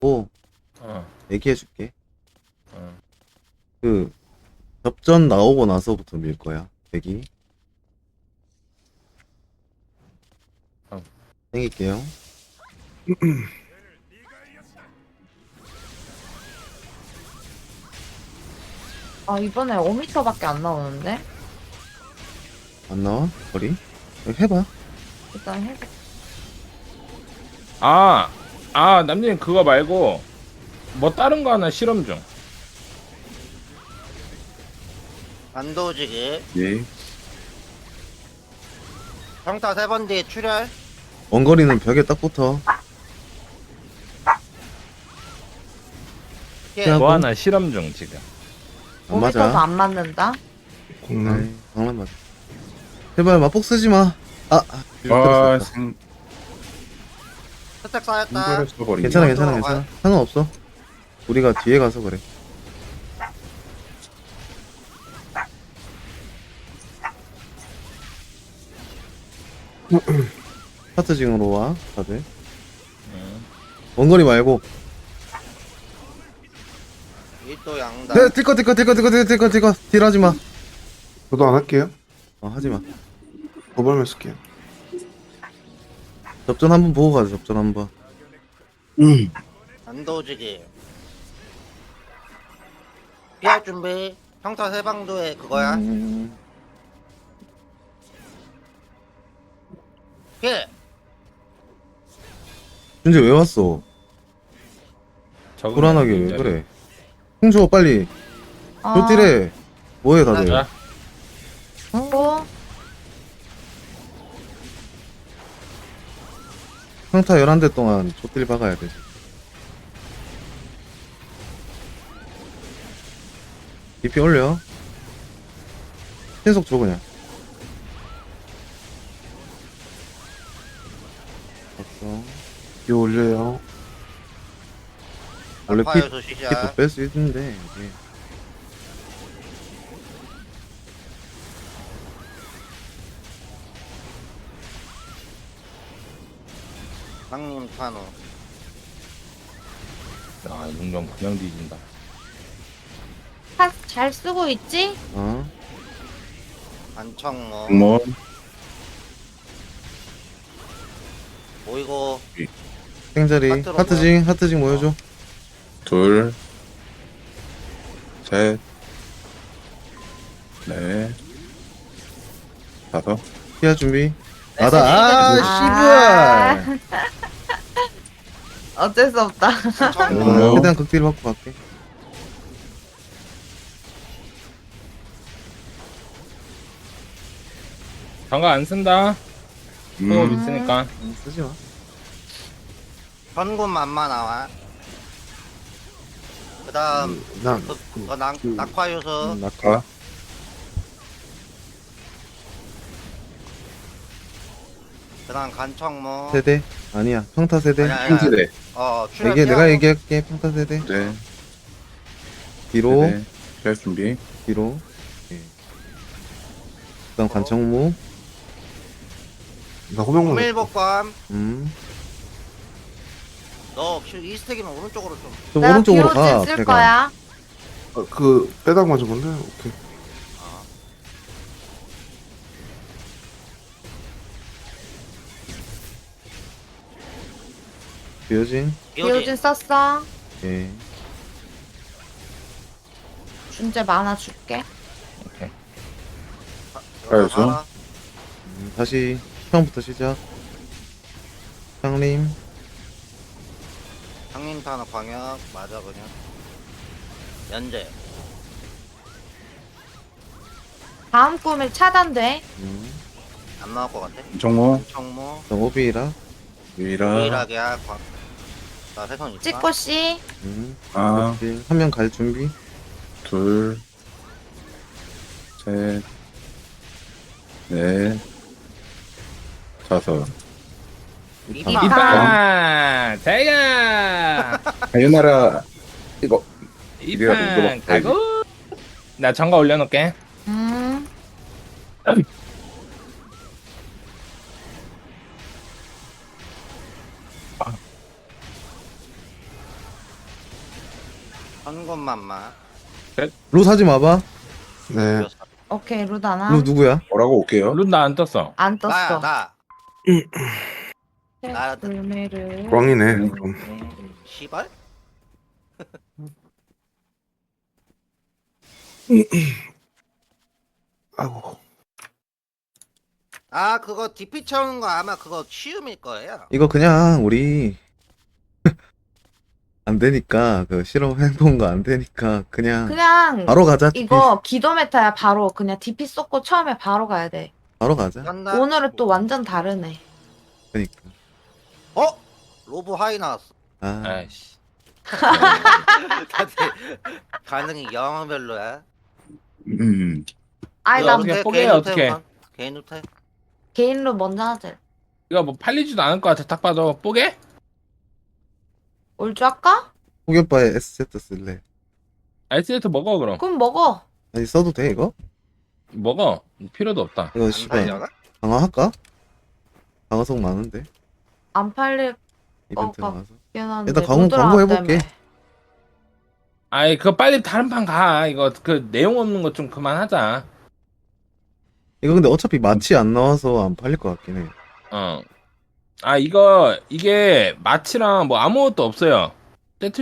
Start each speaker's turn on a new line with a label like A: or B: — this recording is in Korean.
A: 오,
B: 어,
A: 얘기해줄게.
B: 어.
A: 그 접전 나오고 나서부터 밀 거야. 대기.
B: 어.
A: 생길게요.
C: 아, 이번에 5m밖에 안 나오는데?
A: 안 나와? 거리? 해봐.
C: 일단 해볼게.
B: 남님 그거 말고 뭐 다른 거 하나 실험 중.
D: 안도지기
E: 예.
D: 평타 3번 뒤에 출혈.
A: 원거리는 벽에 딱 붙어.
D: 피해.
A: 피하고.
B: 뭐 하나 실험 중 지금.
A: 안
C: 5m도
A: 맞아.
C: 안 맞는다?
E: 공남.
A: 아이, 장난 맞아. 제발 맞폭 쓰지 마. 아,
E: 와,
A: 다
D: 스택 쌓였다.
E: 생대를 써버리네.
A: 괜찮아,
D: 이쪽으로
A: 괜찮아,
D: 가요.
A: 괜찮아. 상관없어. 우리가 뒤에 가서 그래. 하트징으로 와, 다들. 원거리 말고.
D: 일도 양다.
A: 네, 딜거. 딜하지 마.
E: 저도 안 할게요.
A: 하지 마.
E: 도발만 쓸게요.
A: 접전 한번 보고 가자, 접전 한번.
D: 안도지기 피할 준비. 평타 3방도에 그거야. 피해.
A: 준재 왜 왔어? 불안하게 왜 그래? 홍주호 빨리. 조딜해. 뭐해, 다들.
B: 자,
C: 또?
A: 평타 11대 동안 조딜 박아야 돼. DP 올려. 계속 줘, 그냥. 됐어.
E: 이 올려요.
A: 원래
D: 알파에서
A: 또
D: 시작.
A: 뺄 수 있는데, 이게.
D: 상님 탄호.
B: 용병 그냥 뒤진다.
C: 잘 쓰고 있지?
D: 안청모.
E: 뭐
D: 모이고.
A: 생자리.
D: 하트로
A: 하트징 모여줘.
E: 둘, 셋, 넷, 다섯.
A: 피할 준비.
D: 네,
A: 나다.
C: 아,
A: 씨발.
C: 어쩔 수 없다.
D: 안청모.
A: 최대한 극딜 받고 갈게.
B: 장갑 안 쓴다. 호흡
E: 음,
B: 있으니까.
A: 쓰지 마.
D: 현군만마 나와. 그 다음
E: 난,
D: 낙화 요소.
E: 낙하.
D: 그 다음 간청모.
A: 세대? 아니야. 평타 세대.
D: 아니야, 아니야.
E: 형제대.
D: 출혈
A: 이게 내가
D: 피하고.
A: 얘기할게. 평타 세대.
E: 네.
A: 뒤로.
E: 네. 피할 준비.
A: 뒤로. 오케이. 그다음 관청무.
E: 나 호명만.
D: 호밀복감. 너 이스택이면 오른쪽으로 좀.
A: 좀
C: 내가
A: 오른쪽으로
C: 뒤로
A: 가.
C: 쓸
A: 배가.
C: 거야.
E: 그 빼당 맞은 건데. 오케이.
A: 비어진.
C: 비오진 썼어.
A: 예.
C: 준재 만화 줄게.
E: 알죠.
A: 다시 처음부터 시작. 상림.
D: 상림 탄호 광역 맞아 그냥. 연재.
C: 다음 꿈일 차단돼.
D: 안 나올 것 같아.
E: 정모,
D: 청모.
A: 그다음 오비라.
E: 유이라.
D: 유일하게 나 세선 있다.
C: 찍고씨.
E: 아,
A: 한 명 갈 준비.
E: 둘, 셋, 넷, 다섯.
D: 이방.
B: 이판 자기가
E: 하유나라 이거 이래가지고 이거
B: 이판
E: 막
B: 가고. 나 장갑 올려놓을게.
D: 한 것만만.
A: 루 사지 마봐.
E: 네.
C: 오케이 루다나.
A: 루 누구야?
E: 뭐라고 올게요.
B: 룬 나 안 떴어.
C: 안 떴어.
D: 나야 나. 나
C: 불매를.
E: 꽝이네. 그럼.
D: 시발?
E: 아이고.
D: 아 그거 DP 채우는 거 아마 그거 쉬움일 거예요.
A: 이거 그냥 우리 안 되니까 그 실험 해본 거 안 되니까 그냥 바로 가자.
C: 이거 기도 메타야. 바로 그냥 DP 쏟고 처음에 바로 가야 돼.
A: 바로 가자.
D: 간다.
C: 오늘은 또 완전 다르네.
A: 그러니까.
D: 어? 로브 하이 나왔어.
A: 아,
B: 아이씨.
D: 다들 반응이 영별로야.
C: 아이
B: 이거
C: 나
B: 어떻게 뽀개요, 어떻게?
D: 개인 루테.
C: 개인로 먼저 하자.
B: 이거 뭐 팔리지도 않을 것 같아. 딱 봐도 뽀개?
C: 올줄 할까?
A: 호겹바에 SZ 쓸래.
B: 알세트 먹어 그럼.
C: 그럼 먹어.
A: 아니 써도 돼 이거?
B: 먹어. 필요도 없다.
A: 이거
D: 안
A: 씨발
D: 달려나?
A: 강화할까? 강화성 많은데
C: 안 팔릴
A: 이벤트
C: 어,
A: 나와서.
C: 게는데
A: 일단 광고 해볼게.
B: 아이 그거 빨리 다른 판 가. 이거 그 내용 없는 거 좀 그만하자.
A: 이거 근데 어차피 마치 안 나와서 안 팔릴 것 같긴 해.
B: 이게 마치랑 뭐 아무것도 없어요.